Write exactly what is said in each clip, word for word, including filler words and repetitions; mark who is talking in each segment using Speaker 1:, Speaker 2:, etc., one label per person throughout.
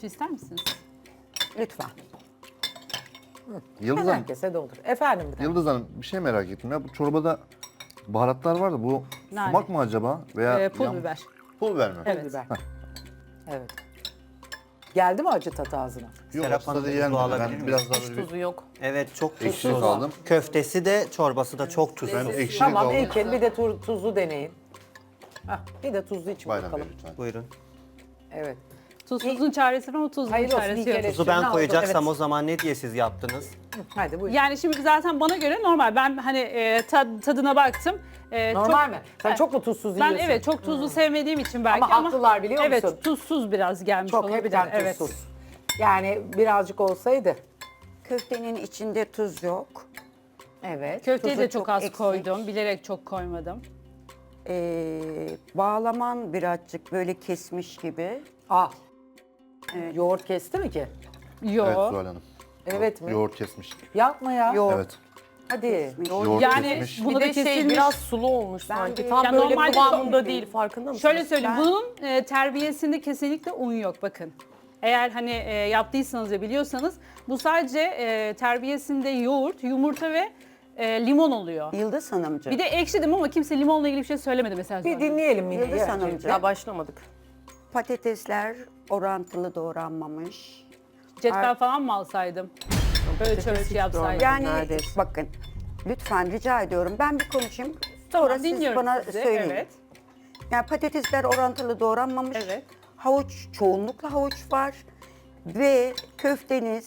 Speaker 1: su ister misiniz?
Speaker 2: Lütfen.
Speaker 3: Yıldız Hanım,
Speaker 4: Herkese de olur. Efendim bir de.
Speaker 3: Yıldız Hanım bir şey merak ettim ya. Bu çorbada baharatlar var da bu
Speaker 1: Nane.
Speaker 3: sumak mı acaba? Veya
Speaker 1: Ee, pul
Speaker 3: yan-
Speaker 1: biber.
Speaker 3: Pul biber mi?
Speaker 1: Evet.
Speaker 4: Biber. Evet. Geldi mi acı tat ağzına?
Speaker 3: Yok,
Speaker 5: Serap
Speaker 3: aslında
Speaker 5: Hanım,
Speaker 3: da
Speaker 5: tuzu
Speaker 3: yenmedi.
Speaker 5: alabilir
Speaker 3: Ben
Speaker 5: miyim?
Speaker 3: biraz daha
Speaker 6: Hiç
Speaker 3: böyle bir
Speaker 6: tuzu yok.
Speaker 5: Evet çok
Speaker 3: ekşi
Speaker 5: tuzsuz.
Speaker 3: aldım.
Speaker 5: Köftesi de çorbası da çok tuzsuz.
Speaker 3: Ben ekşilik
Speaker 4: Tamam
Speaker 3: aldım.
Speaker 4: İlker bir de tu- tuzlu deneyin. Hah, bir de tuzlu için
Speaker 3: Bayram Bey
Speaker 4: bakalım.
Speaker 3: lütfen.
Speaker 5: Buyurun.
Speaker 4: Evet.
Speaker 1: Tuzsuzun çaresi var ama tuzlunun
Speaker 4: Hayır olsun,
Speaker 1: çaresi
Speaker 4: ilk
Speaker 1: yok.
Speaker 4: kere-
Speaker 5: Tuzu
Speaker 4: Ne
Speaker 5: ben
Speaker 4: oldu?
Speaker 5: koyacaksam
Speaker 4: Evet.
Speaker 5: o zaman ne diye siz yaptınız?
Speaker 4: Hadi buyurun.
Speaker 1: Yani şimdi zaten bana göre normal. Ben hani e, tad- tadına baktım. E,
Speaker 4: Normal
Speaker 1: çok-
Speaker 4: mi? Sen
Speaker 1: Evet.
Speaker 4: çok mu tuzsuz
Speaker 1: Ben
Speaker 4: yiyorsun?
Speaker 1: evet çok tuzlu sevmediğim için belki
Speaker 4: Ama
Speaker 1: ama,
Speaker 4: haklılar biliyor musun?
Speaker 1: Evet tuzsuz biraz gelmiş
Speaker 4: Çok
Speaker 1: olabilir.
Speaker 4: hepten
Speaker 1: Evet.
Speaker 4: tuzsuz. Yani birazcık olsaydı.
Speaker 2: Köftenin içinde tuz yok.
Speaker 4: Evet.
Speaker 1: Köfteye
Speaker 2: Tuzu
Speaker 1: de çok,
Speaker 2: çok
Speaker 1: az
Speaker 2: eksik.
Speaker 1: koydum. Bilerek çok koymadım.
Speaker 2: Ee, bağlaman birazcık böyle kesmiş gibi.
Speaker 4: Ah. Yoğurt kesti mi ki?
Speaker 1: Yo.
Speaker 3: Evet Zuhal Hanım.
Speaker 4: Evet mi?
Speaker 3: Yoğurt kesmiş.
Speaker 4: Yapma ya.
Speaker 2: Yoğurt.
Speaker 3: Evet.
Speaker 4: Hadi.
Speaker 3: Yoğurt
Speaker 1: Yani
Speaker 3: kesmiş.
Speaker 1: bunu
Speaker 6: Bir
Speaker 1: da
Speaker 6: de şey
Speaker 1: kesilmiş.
Speaker 6: biraz sulu olmuş sanki.
Speaker 2: de-
Speaker 6: Tam
Speaker 1: Ya
Speaker 6: böyle
Speaker 1: normalde
Speaker 6: kıvamında
Speaker 2: çok-
Speaker 6: değil, farkında mısınız?
Speaker 1: Şöyle söyleyeyim,
Speaker 2: Ben-
Speaker 1: bunun e, terbiyesinde kesinlikle un yok bakın. Eğer hani e, yaptıysanız ve biliyorsanız bu sadece e, terbiyesinde yoğurt, yumurta ve e, limon oluyor.
Speaker 2: Yıldız Hanımcığım.
Speaker 1: Bir de ekşi dedim ama kimse limonla ilgili bir şey söylemedi mesela.
Speaker 4: Bir
Speaker 1: sonra.
Speaker 4: dinleyelim yine.
Speaker 2: Yıldız
Speaker 4: ya.
Speaker 2: Hanımcığım.
Speaker 6: Ya başlamadık.
Speaker 2: Patatesler orantılı doğranmamış.
Speaker 1: Cetvel falan mı alsaydım? Ölçü ölçü yapsaydım.
Speaker 2: Yani
Speaker 6: Neredeyse.
Speaker 2: bakın lütfen rica ediyorum ben bir konuşayım.
Speaker 1: Tamam,
Speaker 2: Sonra siz
Speaker 1: dinliyorum
Speaker 2: bana
Speaker 1: sizi.
Speaker 2: söyleyin.
Speaker 1: Evet.
Speaker 2: Yani patatesler orantılı doğranmamış.
Speaker 1: Evet.
Speaker 2: Havuç, çoğunlukla havuç var. Ve köfteniz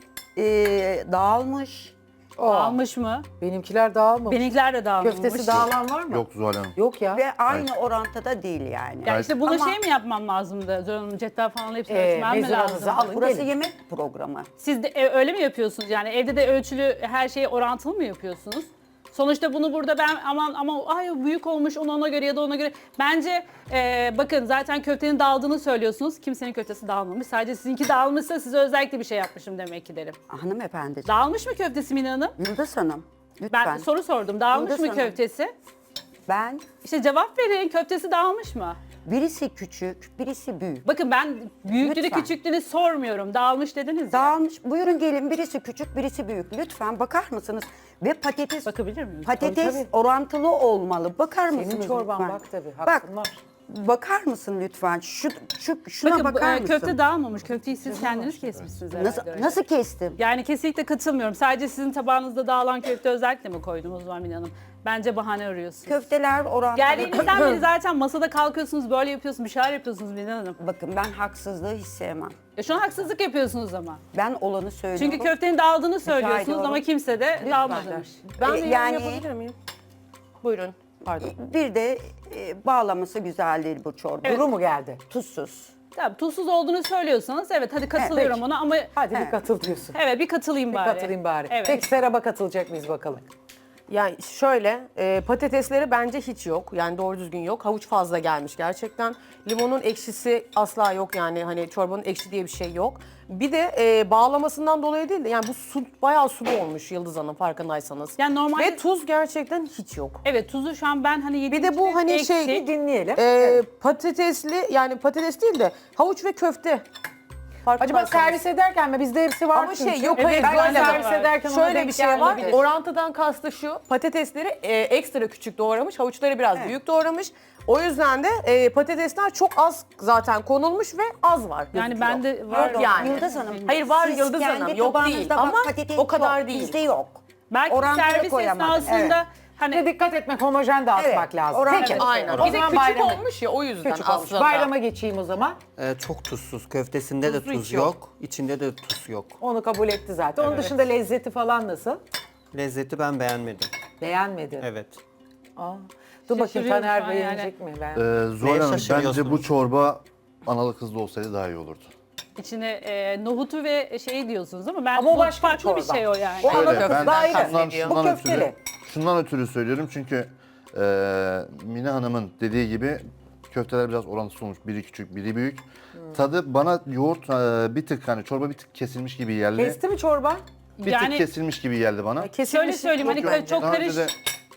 Speaker 2: eee, dağılmış.
Speaker 1: Dağılmış mı?
Speaker 4: Benimkiler dağılmamış.
Speaker 1: Benimkiler de dağılmış.
Speaker 4: Köftesi dağılan var mı?
Speaker 3: Yok Zuhal Hanım.
Speaker 4: Yok ya.
Speaker 2: Ve aynı orantıda değil yani.
Speaker 1: Ya işte bunu
Speaker 2: Ama-
Speaker 1: şey mi yapmam lazımdı? Zor Hanım, cetvel falan hepsini
Speaker 4: Ee,
Speaker 1: ölçmem mi
Speaker 4: mezuranızı
Speaker 1: lazım?
Speaker 4: alın.
Speaker 2: Burası
Speaker 4: gelin.
Speaker 2: yemek programı.
Speaker 1: Siz de e, öyle mi yapıyorsunuz? Yani evde de ölçülü her şeyi orantılı mı yapıyorsunuz? Sonuçta bunu burada ben aman ama ay büyük olmuş onu ona göre ya da ona göre. Bence e, bakın zaten köftenin dağıldığını söylüyorsunuz. Kimsenin köftesi dağılmamış. Sadece sizinki dağılmışsa size özellikle bir şey yapmışım demek ki derim.
Speaker 2: Hanımefendi.
Speaker 1: Dağılmış mı köftesi Mine Hanım?
Speaker 2: Yıldız Hanım. Lütfen.
Speaker 1: Ben soru sordum. Dağılmış
Speaker 2: Yıldız
Speaker 1: mı
Speaker 2: Hanım.
Speaker 1: köftesi?
Speaker 2: Ben
Speaker 1: İşte cevap verin. Köftesi dağılmış mı?
Speaker 2: birisi küçük, birisi büyük.
Speaker 1: Bakın ben büyüklüğünü
Speaker 2: Lütfen.
Speaker 1: küçüklüğünü sormuyorum. Dağılmış dediniz ya.
Speaker 2: Dağılmış. Buyurun gelin birisi küçük, birisi büyük. Lütfen bakar mısınız? Ve patates
Speaker 1: Bakabilir miyim?
Speaker 2: patates
Speaker 4: Tabii, tabii.
Speaker 2: orantılı olmalı. Bakar
Speaker 4: Senin
Speaker 2: mısınız
Speaker 4: çorban
Speaker 2: lütfen?
Speaker 4: bak tabii,
Speaker 2: Bak.
Speaker 4: hakkın var.
Speaker 2: Bakar mısın lütfen? Şu, şu şuna
Speaker 1: Bakın bu,
Speaker 2: bakar
Speaker 1: e,
Speaker 2: mısın?
Speaker 1: köfte dağılmamış. Köfteyi siz kendiniz kesmişsiniz herhalde.
Speaker 2: Nasıl
Speaker 1: öyle.
Speaker 2: nasıl kestim?
Speaker 1: Yani kesinlikle katılmıyorum. Sadece sizin tabağınızda dağılan köfte özellikle mi koydum o zaman Mine Hanım? Bence bahane arıyorsunuz.
Speaker 2: Köfteler orantılı.
Speaker 1: Geldiğinizden beri zaten masada kalkıyorsunuz, böyle yapıyorsunuz, bir şeyler yapıyorsunuz Mine Hanım.
Speaker 2: Bakın ben haksızlığı hiç sevmem.
Speaker 1: E şu an haksızlık yapıyorsunuz ama.
Speaker 2: Ben olanı söylüyorum.
Speaker 1: Çünkü köftenin dağıldığını söylüyorsunuz
Speaker 2: ediyorum.
Speaker 1: ama kimse de dağılmamış.
Speaker 6: Ben
Speaker 2: E,
Speaker 6: bir yorum
Speaker 2: yani-
Speaker 6: yapabilir miyim? Buyurun. Pardon.
Speaker 2: Bir de e, bağlaması güzel değil bu çorba.
Speaker 4: Duru mu geldi?
Speaker 2: Tuzsuz.
Speaker 1: Tabii tuzsuz olduğunu söylüyorsanız evet hadi katılıyorum
Speaker 2: Evet.
Speaker 1: ona ama
Speaker 4: Hadi bir
Speaker 2: Evet.
Speaker 4: katıl diyorsun.
Speaker 1: evet bir katılayım
Speaker 4: Bir
Speaker 1: bari.
Speaker 4: katılayım bari.
Speaker 1: Evet.
Speaker 4: Peki Serap'a katılacak mıyız bakalım?
Speaker 6: Yani şöyle, e, patatesleri bence hiç yok. Yani doğru düzgün yok. Havuç fazla gelmiş gerçekten. Limonun ekşisi asla yok yani. Hani çorbanın ekşi diye bir şey yok. Bir de e, bağlamasından dolayı değil de yani bu su bayağı sulu olmuş Yıldız Hanım farkındaysanız.
Speaker 1: Yani normalde-
Speaker 6: Ve tuz gerçekten hiç yok.
Speaker 1: Evet tuzu şu an ben hani yediğim
Speaker 6: Bir de bu
Speaker 1: için
Speaker 6: hani
Speaker 1: eksik.
Speaker 6: şey-
Speaker 4: Bir dinleyelim.
Speaker 6: E, patatesli yani patates değil de havuç ve köfte.
Speaker 4: Acaba
Speaker 6: Farkındaysanız.
Speaker 4: servis ederken mi? Bizde hepsi var
Speaker 6: Ama
Speaker 4: çünkü.
Speaker 6: şey yok
Speaker 4: Evet,
Speaker 6: hayır
Speaker 4: ben
Speaker 6: böyle
Speaker 4: servis
Speaker 6: var.
Speaker 4: ederken ona
Speaker 6: Şöyle
Speaker 4: denk
Speaker 6: bir şey var.
Speaker 4: gelmedim.
Speaker 6: Orantıdan kastı şu. Patatesleri e, ekstra küçük doğramış. Havuçları biraz büyük doğramış. O yüzden de e, patatesler çok az zaten konulmuş ve az var.
Speaker 1: Yani
Speaker 6: gözüküyor.
Speaker 1: bende var
Speaker 6: Yok yani.
Speaker 2: Yıldız Hanım.
Speaker 6: Hayır var
Speaker 2: siz
Speaker 6: Yıldız
Speaker 2: kendi
Speaker 6: Hanım. Yok değil
Speaker 2: tabağınızda bak,
Speaker 6: ama
Speaker 2: patates
Speaker 6: o kadar
Speaker 2: çok,
Speaker 6: değil.
Speaker 2: Bizde yok.
Speaker 1: Belki
Speaker 2: Orantılı
Speaker 1: servis
Speaker 2: koyamadım,
Speaker 1: esnasında
Speaker 2: evet.
Speaker 1: hani
Speaker 4: Bir de dikkat etmek, homojen dağıtmak
Speaker 2: Evet,
Speaker 4: lazım.
Speaker 2: oran-
Speaker 4: Peki.
Speaker 2: Evet,
Speaker 6: Aynen.
Speaker 4: O
Speaker 6: Bir de
Speaker 4: zaman
Speaker 6: küçük
Speaker 4: bayrama,
Speaker 6: olmuş ya o yüzden
Speaker 4: küçük olmuş.
Speaker 6: aslında.
Speaker 4: Bayrama geçeyim o zaman.
Speaker 5: Ee, çok tuzsuz. Köftesinde de
Speaker 6: Tuzlu
Speaker 5: tuz
Speaker 6: hiç yok.
Speaker 5: yok. İçinde de tuz yok.
Speaker 4: Onu kabul etti zaten. Onun dışında lezzeti falan nasıl?
Speaker 5: Lezzeti ben beğenmedim.
Speaker 4: Beğenmedi.
Speaker 5: Evet.
Speaker 4: Aa. Dur bakayım
Speaker 1: Şaşırıyorum
Speaker 4: Taner
Speaker 1: şu an
Speaker 4: beğenecek mi? Ben...
Speaker 3: Ee, Zuhal
Speaker 5: Neye
Speaker 3: Hanım bence
Speaker 5: şaşırıyorsunuz?
Speaker 3: bu çorba analı kızlı olsaydı daha iyi olurdu.
Speaker 1: içine e, nohutu ve şeyi diyorsunuz ama ben
Speaker 4: Ama o
Speaker 1: nohut
Speaker 4: başka bir
Speaker 1: farklı bir
Speaker 4: çorba.
Speaker 1: şey o yani.
Speaker 4: O ana
Speaker 3: Öyle,
Speaker 4: kız
Speaker 3: ben
Speaker 4: daha iyi.
Speaker 3: şundan,
Speaker 6: Bu
Speaker 3: şundan,
Speaker 4: köfteli.
Speaker 3: ötürü, şundan ötürü söylüyorum çünkü e, Mine Hanım'ın dediği gibi köfteler biraz orantısız olmuş. Biri küçük, biri büyük. Tadı bana yoğurt e, bir tık hani çorba bir tık kesilmiş gibi geldi.
Speaker 4: Kesti mi çorba?
Speaker 3: Bir
Speaker 1: Yani-
Speaker 3: tık kesilmiş gibi geldi bana.
Speaker 1: Şöyle söyleyeyim hani
Speaker 3: Yok,
Speaker 1: ka-
Speaker 3: yok.
Speaker 1: çok
Speaker 3: Daha önce
Speaker 1: karış...
Speaker 3: de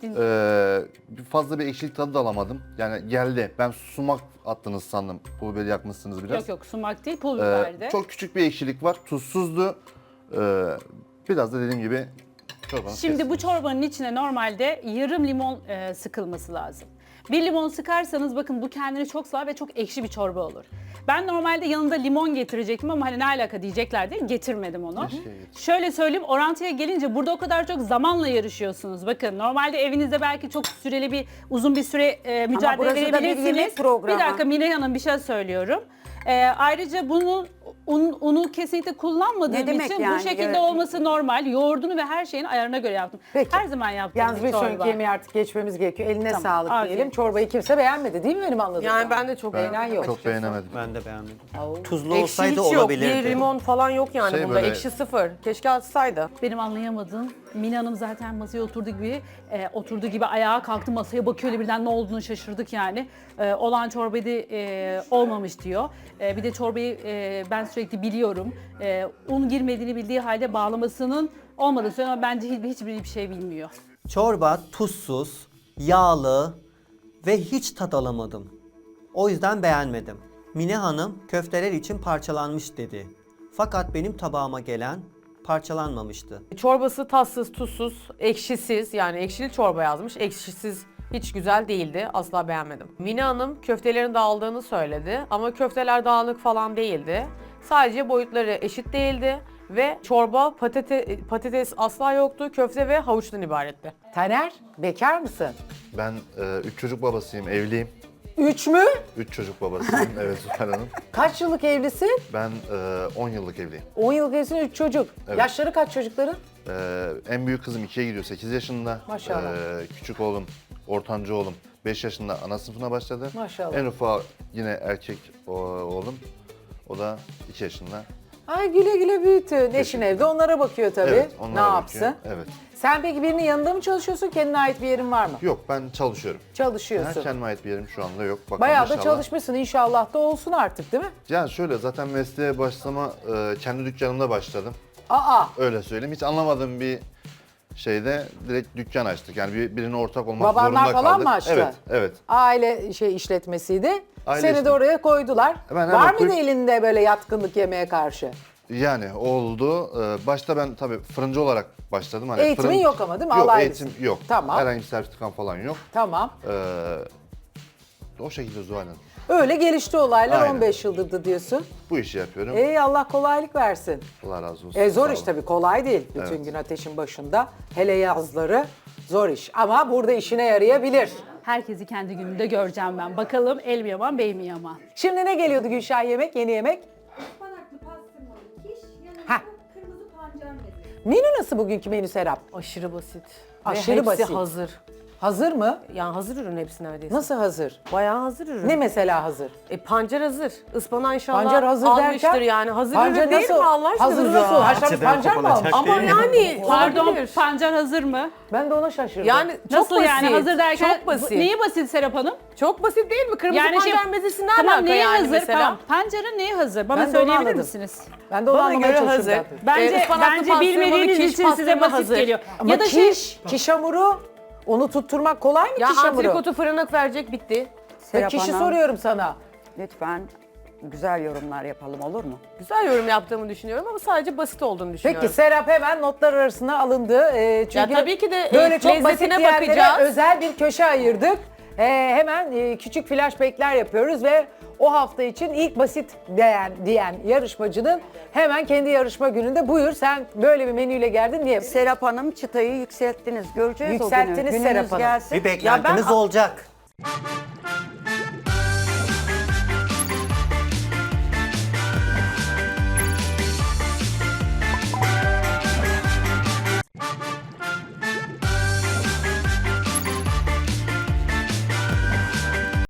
Speaker 3: Ee, bir fazla bir ekşilik tadı da alamadım. Yani geldi. Ben sumak attınız sandım. Pul biberi yakmışsınız biraz.
Speaker 1: Yok yok sumak değil pul
Speaker 3: Ee,
Speaker 1: biberdi.
Speaker 3: çok küçük bir ekşilik var. Tuzsuzdu. Ee, biraz da dediğim gibi çorbanın
Speaker 1: Şimdi bu çorbanın içine normalde yarım limon e, sıkılması lazım. Bir limon sıkarsanız bakın bu kendini çok sağlar ve çok ekşi bir çorba olur. Ben normalde yanında limon getirecektim ama hani ne alaka diyecekler diye getirmedim onu.
Speaker 3: Keşke getir.
Speaker 1: Şöyle söyleyeyim, orantıya gelince burada o kadar çok zamanla yarışıyorsunuz. Bakın normalde evinizde belki çok süreli bir uzun bir süre e, mücadele
Speaker 2: burası da bir
Speaker 1: verebilirsiniz.
Speaker 2: yemek programı.
Speaker 1: Bir dakika Mine Hanım bir şey söylüyorum. E, ayrıca bunun un, unu kesinlikle kullanmadığım
Speaker 2: Ne demek
Speaker 1: için
Speaker 2: yani?
Speaker 1: bu şekilde
Speaker 2: Evet.
Speaker 1: olması normal. Yoğurdunu ve her şeyin ayarına göre yaptım.
Speaker 4: Peki.
Speaker 1: Her zaman yaptığım
Speaker 4: Yalnız
Speaker 1: bir
Speaker 4: bir sonraki
Speaker 1: çorba.
Speaker 4: yemeğe artık geçmemiz gerekiyor. Eline
Speaker 1: Tamam,
Speaker 4: sağlık
Speaker 1: afiyet.
Speaker 4: diyelim. Çorbayı kimse beğenmedi değil mi benim anladığım?
Speaker 6: Yani ben de çok
Speaker 4: Beğenen
Speaker 6: beğenmedim.
Speaker 4: yok.
Speaker 3: Çok beğenemedim.
Speaker 5: Ben de beğenmedim.
Speaker 4: Oo.
Speaker 5: Tuzlu
Speaker 6: Ekşi
Speaker 5: olsaydı
Speaker 6: hiç yok.
Speaker 5: olabilirdi.
Speaker 6: Bir limon falan yok yani
Speaker 3: Şey
Speaker 6: bunda.
Speaker 3: böyle-
Speaker 6: Ekşi sıfır. Keşke atsaydı.
Speaker 1: Benim anlayamadığım, Mine Hanım zaten masaya oturduğu gibi, e, oturduğu gibi ayağa kalktı, masaya bakıyor öyle birden ne olduğunu şaşırdık yani. E, olan çorbaydı e, olmamış diyor. E, bir de çorbayı e, ben sürekli biliyorum. E, un girmediğini bildiği halde bağlamasının olmadığını söylüyor ama bence hiç, hiçbir bir şey bilmiyor.
Speaker 5: Çorba tuzsuz, yağlı ve hiç tat alamadım. O yüzden beğenmedim. Mine Hanım köfteler için parçalanmış dedi. Fakat benim tabağıma gelen parçalanmamıştı.
Speaker 6: Çorbası tatsız, tuzsuz, ekşisiz. Yani ekşili çorba yazmış. Ekşisiz hiç güzel değildi. Asla beğenmedim. Mine Hanım köftelerin dağıldığını söyledi. Ama köfteler dağınık falan değildi. Sadece boyutları eşit değildi. Ve çorba, patate, patates asla yoktu. Köfte ve havuçtan ibaretti.
Speaker 4: Taner, bekar mısın?
Speaker 3: Ben e, üç çocuk babasıyım, evliyim.
Speaker 4: Üç mü?
Speaker 3: Üç çocuk babasıyım, evet Zuhal Hanım.
Speaker 4: Kaç yıllık evlisin?
Speaker 3: Ben e, on yıllık evliyim.
Speaker 4: on yıllık evlisin, üç çocuk.
Speaker 3: Evet.
Speaker 4: Yaşları kaç çocukların?
Speaker 3: Ee, en büyük kızım ikiye gidiyor, sekiz yaşında.
Speaker 4: Maşallah.
Speaker 3: Ee, küçük oğlum, ortancı oğlum beş yaşında ana sınıfına başladı.
Speaker 4: Maşallah.
Speaker 3: En ufağı yine erkek o- oğlum. O da iki yaşında.
Speaker 4: Ay güle güle büyütün. Eşin evde onlara bakıyor tabii.
Speaker 3: Evet,
Speaker 4: ne
Speaker 3: onlara
Speaker 4: yapsın?
Speaker 3: bakıyor. Evet.
Speaker 4: Sen peki birinin yanında mı çalışıyorsun? Kendine ait bir yerin var mı?
Speaker 3: Yok, ben çalışıyorum.
Speaker 4: Çalışıyorsun.
Speaker 3: Ha, kendime ait bir yerim şu anda yok. Bakalım
Speaker 4: Bayağı da
Speaker 3: inşallah.
Speaker 4: çalışmışsın. İnşallah da olsun artık değil mi?
Speaker 3: Yani şöyle, zaten mesleğe başlama e, kendi dükkanımda başladım.
Speaker 4: Aa,
Speaker 3: Öyle söyleyeyim. Hiç anlamadığım bir şeyde direkt dükkan açtık. Yani bir, birine ortak olmak
Speaker 4: Babanlar
Speaker 3: zorunda kaldık.
Speaker 4: falan mı açtı?
Speaker 3: Evet, evet.
Speaker 4: aile şey işletmesiydi.
Speaker 3: Aile
Speaker 4: Seni de
Speaker 3: işletme.
Speaker 4: oraya koydular.
Speaker 3: Ben hemen
Speaker 4: Var mıydı
Speaker 3: koy-
Speaker 4: elinde böyle yatkınlık yemeğe karşı?
Speaker 3: Yani oldu. Ee, Başta ben tabii fırıncı olarak başladım. Hani
Speaker 4: Eğitimin
Speaker 3: fırın-
Speaker 4: yok ama değil mi?
Speaker 3: Yok,
Speaker 4: Alaylısın.
Speaker 3: eğitim yok.
Speaker 4: Tamam.
Speaker 3: Herhangi bir sertifikam falan yok.
Speaker 4: Tamam.
Speaker 3: Ee, o şekilde Zuhal Hanım.
Speaker 4: Öyle gelişti olaylar.
Speaker 3: Aynen.
Speaker 4: on beş yıldır da diyorsun.
Speaker 3: Bu işi yapıyorum.
Speaker 4: Ey Allah kolaylık versin.
Speaker 3: Allah razı olsun.
Speaker 4: E zor
Speaker 3: Sağ
Speaker 4: iş
Speaker 3: olun.
Speaker 4: tabii, kolay değil. Bütün
Speaker 3: Evet.
Speaker 4: gün ateşin başında. Hele yazları zor iş. Ama burada işine yarayabilir.
Speaker 1: Herkesi kendi gününde göreceğim ben. Bakalım el mi yaman, bey mi yaman?
Speaker 4: Şimdi ne geliyordu Gülşah yemek? Yeni yemek?
Speaker 7: Ispanaklı pastırmalı kiş, yanında
Speaker 4: Heh.
Speaker 7: kırmızı pancar mezesi.
Speaker 4: Menü nasıl bugünkü menü Serap?
Speaker 6: Aşırı basit.
Speaker 4: Aşırı
Speaker 6: Ve hepsi
Speaker 4: basit.
Speaker 6: hazır.
Speaker 4: Hazır mı?
Speaker 6: Yani hazır ürün hepsi neredeyse.
Speaker 4: Nasıl hazır?
Speaker 6: Bayağı hazır ürün.
Speaker 4: Ne mesela hazır?
Speaker 6: E, pancar hazır. Ispanağı inşallah
Speaker 4: Pancar hazır
Speaker 6: almıştır
Speaker 4: derken?
Speaker 6: yani. Hazır
Speaker 4: Pancar
Speaker 6: ürün değil
Speaker 4: nasıl?
Speaker 6: mi Allah aşkına?
Speaker 4: Hazır nasıl? Haşlanmış
Speaker 5: Bahçeden
Speaker 4: pancar mı
Speaker 5: kopulacak
Speaker 4: almış?
Speaker 6: Ama yani
Speaker 1: Pardon,
Speaker 6: olabilir.
Speaker 1: pancar hazır mı?
Speaker 4: Ben de ona şaşırdım.
Speaker 6: Yani çok
Speaker 1: Nasıl
Speaker 6: basit.
Speaker 1: yani hazır derken?
Speaker 6: Çok basit.
Speaker 1: Neyi basit Serap Hanım?
Speaker 6: Çok basit değil mi? Kırmızı
Speaker 1: Yani şey-
Speaker 6: pancar mezesi ne
Speaker 1: Tamam
Speaker 6: alaka
Speaker 1: neye
Speaker 6: yani
Speaker 1: hazır?
Speaker 6: mesela?
Speaker 1: Tamam, pancarın neye hazır? Bana
Speaker 4: Ben de onu
Speaker 1: söyleyebilir
Speaker 4: anladım.
Speaker 1: misiniz?
Speaker 4: Ben de onu
Speaker 6: Bana
Speaker 4: anlamaya
Speaker 6: göre
Speaker 4: çalışıyorum
Speaker 6: hazır.
Speaker 4: zaten.
Speaker 1: Bence
Speaker 6: Ee, ıspanaklı
Speaker 1: bence
Speaker 6: pastırmalı
Speaker 1: bilmediğiniz
Speaker 6: kiş
Speaker 1: için size
Speaker 6: pastırma
Speaker 1: basit
Speaker 6: hazır.
Speaker 1: geliyor.
Speaker 4: Ama
Speaker 1: ya da
Speaker 4: kiş,
Speaker 1: şey
Speaker 4: kiş hamuru, onu tutturmak kolay mı
Speaker 6: Ya
Speaker 4: kiş hamuru?
Speaker 6: antrikotu fırına verecek bitti.
Speaker 4: Ve
Speaker 2: Serap
Speaker 4: kişi
Speaker 2: Hanım,
Speaker 4: soruyorum sana.
Speaker 2: lütfen güzel yorumlar yapalım, olur mu?
Speaker 6: Güzel yorum yaptığımı düşünüyorum ama sadece basit olduğunu düşünüyorum.
Speaker 4: Peki Serap hemen notlar arasına alındı. Ee, çünkü
Speaker 6: Ya tabii ki de, e,
Speaker 4: böyle çok basit
Speaker 6: lezzetine
Speaker 4: yerlere
Speaker 6: bakacağız.
Speaker 4: özel bir köşe ayırdık. Ee, hemen e, küçük flashbackler yapıyoruz ve o hafta için ilk basit diyen, diyen yarışmacının hemen kendi yarışma gününde buyur sen böyle bir menüyle geldin diye.
Speaker 2: Serap Hanım çıtayı yükselttiniz. Göreceğiz o
Speaker 4: Yükselttiniz
Speaker 2: günü.
Speaker 4: Serap
Speaker 2: Gününüz
Speaker 4: Hanım.
Speaker 2: gelsin.
Speaker 5: Bir beklentimiz
Speaker 6: ben-
Speaker 5: olacak.